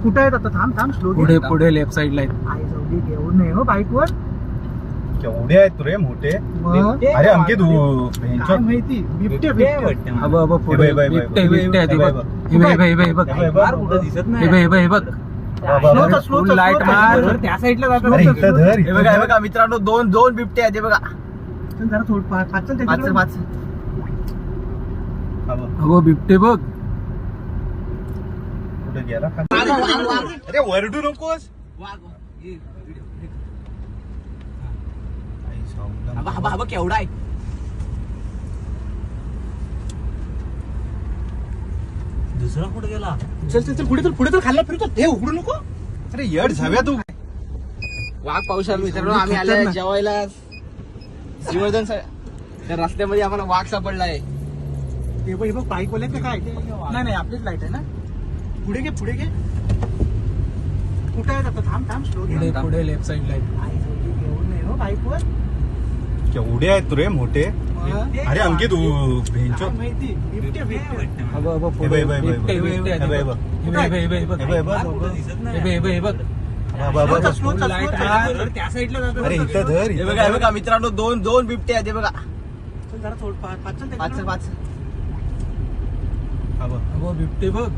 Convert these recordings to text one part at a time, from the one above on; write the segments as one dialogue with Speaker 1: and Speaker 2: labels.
Speaker 1: कुठे आहेत आता? थांब थांब स्लो
Speaker 2: पुढे पुढे लेफ्ट साइडला आहेत.
Speaker 1: आई जाऊ दे, घेऊन नाही हो बाईकवर.
Speaker 3: केवढे आहेत रे मोठे.
Speaker 1: मग?
Speaker 3: अरे अंकित
Speaker 1: काय माहिती, बिबटे बिबटे.
Speaker 2: अब अब पुढे बिबटे बिबटे आहे ते बघ. हे बघ, हे बघ, हे बघ, हे बघ.
Speaker 3: कुठं दिसत
Speaker 2: हे बघ, हे बघ, हे बघ.
Speaker 1: स्लो
Speaker 2: लाईट मार.
Speaker 1: त्या साईडला
Speaker 3: अरे इथं धर.
Speaker 2: हे बघा, हे बघा मित्रांनो, दोन बिबटे आहेत. हे बघा
Speaker 1: जरा थोडं पाच
Speaker 2: पाच.
Speaker 3: हा बघ.
Speaker 2: अगो बिबटे बघ.
Speaker 3: कुठे गेला खाली? अरे वरडू नकोस. आई सावला.
Speaker 2: केवढा आहे. दुसरा कुठे गेला?
Speaker 1: चल चल चल पुढे चल खाल्ला फिरतो. हे उघडू नको.
Speaker 3: अरे येड झाव्या तू.
Speaker 2: वाघ पावसाला मित्रांनो, आम्ही आले जेवायला श्रीवर्धन त्या रस्त्यामध्ये आम्हाला वाघ सापडलाय.
Speaker 1: हे बघ बाईक वाले का काय? नाही आपलीच लाईट आहे ना. पुढे घे कुठे आहेत आता? थांब थांब स्लो
Speaker 2: पुढे पुढे लेफ्ट साइडला आहेत.
Speaker 1: आई जाऊ दे, घेऊन नाही हो बाईकवर.
Speaker 3: केवढे आहेत रे मोठे. अरे अंकित
Speaker 1: काय माहिती, बिबटे बिबटे.
Speaker 2: अब अब
Speaker 3: हे
Speaker 2: पुढे
Speaker 3: बघ, हे बघ,
Speaker 2: बिबटे
Speaker 3: हे बघ,
Speaker 2: बिबटे आहेत
Speaker 3: हे
Speaker 2: ते
Speaker 3: बघ,
Speaker 2: बघ.
Speaker 3: हे
Speaker 2: हे बघ, हे बघ, हे बघ.
Speaker 3: हे बघ.
Speaker 2: हे बघ, हे बघ, हे बघ.
Speaker 1: स्लो त्या साईडला जातो.
Speaker 3: अरे इथं धर.
Speaker 2: हे बघा, हे बघा मित्रांनो, दोन बिबटे आहेत. हे बघा
Speaker 1: चल जरा थोडं पाच.
Speaker 3: हा बघ.
Speaker 2: अगो बिबटे बघ.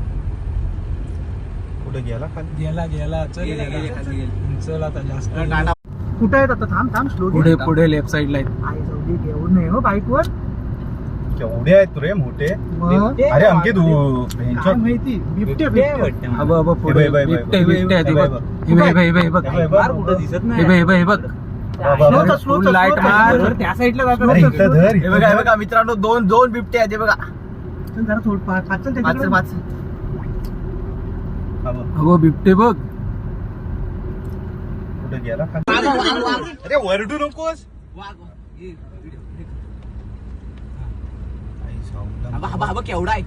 Speaker 3: कुठे गेला खाली?
Speaker 2: गेला चल. चल आता जास्त.
Speaker 1: कुठे आहेत आता? थांब स्लो
Speaker 2: पुढे पुढे लेफ्ट साइडला आहेत.
Speaker 1: आई जाऊ दे, घेऊन नाही हो बाईकवर.
Speaker 3: केवढे आहेत रे मोठे.
Speaker 1: मग?
Speaker 3: अरे अंकित
Speaker 1: काय माहिती, बिबटे बिबटे.
Speaker 2: अब अब पुढे
Speaker 3: हे बघ, हे बघ,
Speaker 2: बिबटे
Speaker 3: हे बघ,
Speaker 2: बिबटे आहेत ते
Speaker 3: हे
Speaker 2: बघ.
Speaker 3: बघ.
Speaker 2: हे बघ, हे बघ, हे बघ.
Speaker 3: हे बघ.
Speaker 2: हे बघ, हे बघ, हे बघ.
Speaker 1: स्लो
Speaker 2: लाईट मार.
Speaker 1: त्या साईडला जातो.
Speaker 3: अरे इथं धर.
Speaker 2: हे बघा, हे बघा मित्रांनो, दोन बिबटे आहेत. हे बघा
Speaker 1: चल जरा थोडं पाच.
Speaker 3: हा बघ.
Speaker 2: अगो बिबटे बघ.
Speaker 3: कुठे गेला खाली? अरे वरडू नकोस. आई सावला.
Speaker 2: केवढा आहे.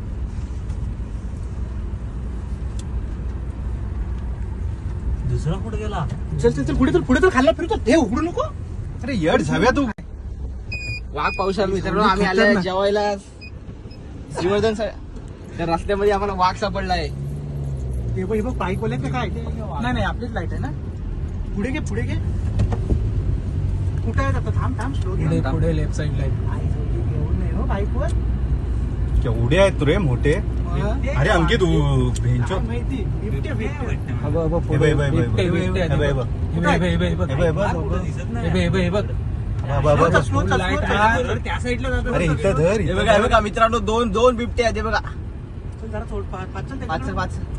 Speaker 2: दुसरा कुठे गेला?
Speaker 1: चल पुढे चल खाल्ला फिरतो. हे उघडू नको.
Speaker 3: अरे येड झाव्या तू.
Speaker 2: वाघ पावसाला मित्रांनो, आम्ही आले जेवायला श्रीवर्धन त्या रस्त्यामध्ये आम्हाला वाघ सापडलाय.
Speaker 1: हे बघ बाईक वाले का काय? नाही आपलीच लाईट आहे ना. पुढे घे कुठे आहेत आता? थांब स्लो
Speaker 2: पुढे पुढे लेफ्ट साइडला आहेत.
Speaker 1: आई जाऊ दे, घेऊन नाही हो बाईकवर.
Speaker 3: केवढे आहेत रे मोठे. अरे अंकित
Speaker 1: काय माहिती, बिबटे बिबटे.
Speaker 2: अब अब
Speaker 3: हे
Speaker 2: पुढे
Speaker 3: बघ, हे बघ,
Speaker 2: बिबटे
Speaker 3: हे बघ.
Speaker 2: बिबटे आहेत
Speaker 3: हे
Speaker 2: ते
Speaker 3: बघ,
Speaker 2: बघ.
Speaker 3: हे
Speaker 2: हे बघ, हे बघ, हे बघ.
Speaker 3: हे बघ.
Speaker 2: हे बघ, हे बघ, हे बघ.
Speaker 3: स्लो
Speaker 1: त्या साईडला जातो.
Speaker 3: अरे इथं धर.
Speaker 2: हे बघा, हे बघा मित्रांनो, दोन बिबटे आहेत. हे बघा
Speaker 1: चल जरा थोडं पाच.